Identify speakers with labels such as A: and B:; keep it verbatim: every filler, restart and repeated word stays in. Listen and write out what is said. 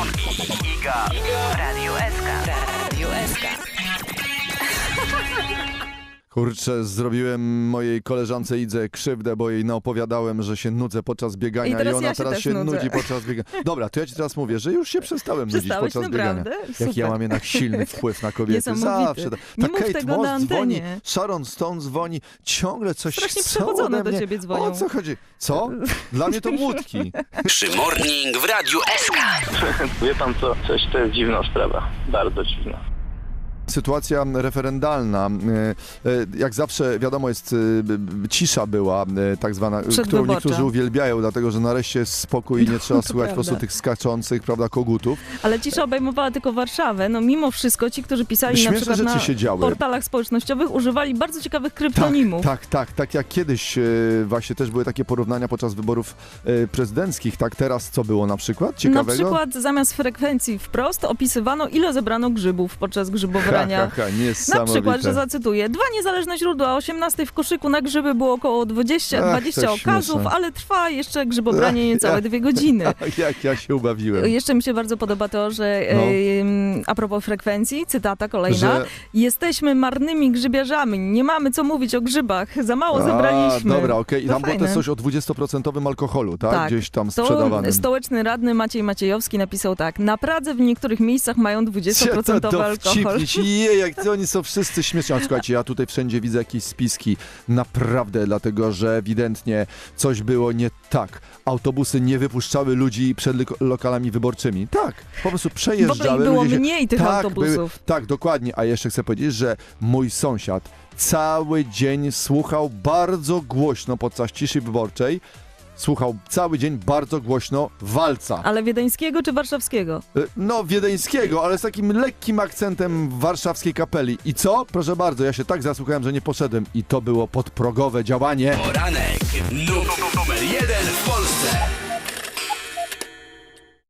A: Szymon i Iga w Radiu S K.
B: Radio S K.
C: Kurczę, zrobiłem mojej koleżance Idze krzywdę, bo jej naopowiadałem, że się nudzę podczas biegania
B: I teraz
C: i ona
B: ja się
C: teraz
B: też
C: się
B: nudzę.
C: nudzi podczas biegania. Dobra, to ja ci teraz mówię, że już się przestałem nudzić
B: Przestałeś?
C: podczas
B: Naprawdę?
C: biegania.
B: Super.
C: Jaki ja mam jednak silny wpływ na kobiety.
B: Niesamowity.
C: Zawsze. Ta,
B: Nie
C: ta
B: mów
C: Kate
B: tego
C: Moss
B: na
C: dzwoni,
B: antenie.
C: Sharon Stone dzwoni, ciągle coś
B: Strasznie
C: chcą
B: przechodzone
C: ode
B: do
C: mnie.
B: ciebie dzwonią.
C: O co chodzi? Co? Dla mnie to łódki.
A: Przymorning w Radiu S K.
D: Wie pan co, coś to jest dziwna sprawa, bardzo dziwna.
C: Sytuacja referendalna, e, e, jak zawsze wiadomo jest, e, cisza była e, tak zwana, którą
B: Przedwyborcza.
C: niektórzy uwielbiają, dlatego że nareszcie jest spokój i nie trzeba słuchać po prostu
B: prawda.
C: tych skaczących, prawda, kogutów.
B: Ale cisza obejmowała tylko Warszawę. No mimo wszystko ci, którzy pisali na
C: Śmieszne
B: przykład
C: rzeczy
B: na
C: się działy.
B: portalach społecznościowych, używali bardzo ciekawych
C: Tak,
B: kryptonimów.
C: tak, tak, tak jak kiedyś e, właśnie też były takie porównania podczas wyborów e, prezydenckich, tak teraz co było na przykład
B: Na
C: ciekawego?
B: przykład zamiast frekwencji wprost opisywano, ile zebrano grzybów podczas
C: Ha,
B: grzybobrania.
C: ha, ha,
B: Na przykład, że
C: niesamowite.
B: zacytuję, dwa niezależne źródła, o osiemnastej w koszyku na grzyby było około dwadzieścia,
C: Ach,
B: dwadzieścia
C: to
B: okazów,
C: śmieszne.
B: ale trwa jeszcze grzybobranie niecałe
C: Ach,
B: dwie godziny.
C: Jak ja się ubawiłem.
B: Jeszcze mi się bardzo podoba to, że
C: No.
B: em, a propos frekwencji, cytata kolejna,
C: Że-
B: jesteśmy marnymi grzybiarzami, nie mamy co mówić o grzybach, za mało zebraliśmy.
C: A, dobra, okej. I
B: To
C: tam było
B: fajne.
C: też coś o dwudziestoprocentowym alkoholu, tak?
B: Tak.
C: Gdzieś tam
B: To
C: sprzedawanym.
B: stołeczny radny Maciej Maciejowski napisał tak, na Pradze w niektórych miejscach mają dwudziestoprocentowy alkohol.
C: dowcipnić. Je, jak to oni są wszyscy śmieszni. Ale słuchajcie, ja tutaj wszędzie widzę jakieś spiski. Naprawdę, dlatego że ewidentnie coś było nie tak. Autobusy nie wypuszczały ludzi przed lik- lokalami wyborczymi. Tak, po prostu
B: W
C: przejeżdżały.
B: ogóle ich było
C: ludzie się...
B: mniej tych
C: tak,
B: autobusów.
C: Były... Tak, dokładnie. A jeszcze chcę powiedzieć, że mój sąsiad cały dzień słuchał bardzo głośno podczas ciszy wyborczej. Słuchał cały dzień bardzo głośno walca.
B: Ale wiedeńskiego czy warszawskiego?
C: Y, No, wiedeńskiego, ale z takim lekkim akcentem warszawskiej kapeli. I co? Proszę bardzo, ja się tak zasłuchałem, że nie poszedłem. I to było podprogowe działanie.
A: Poranek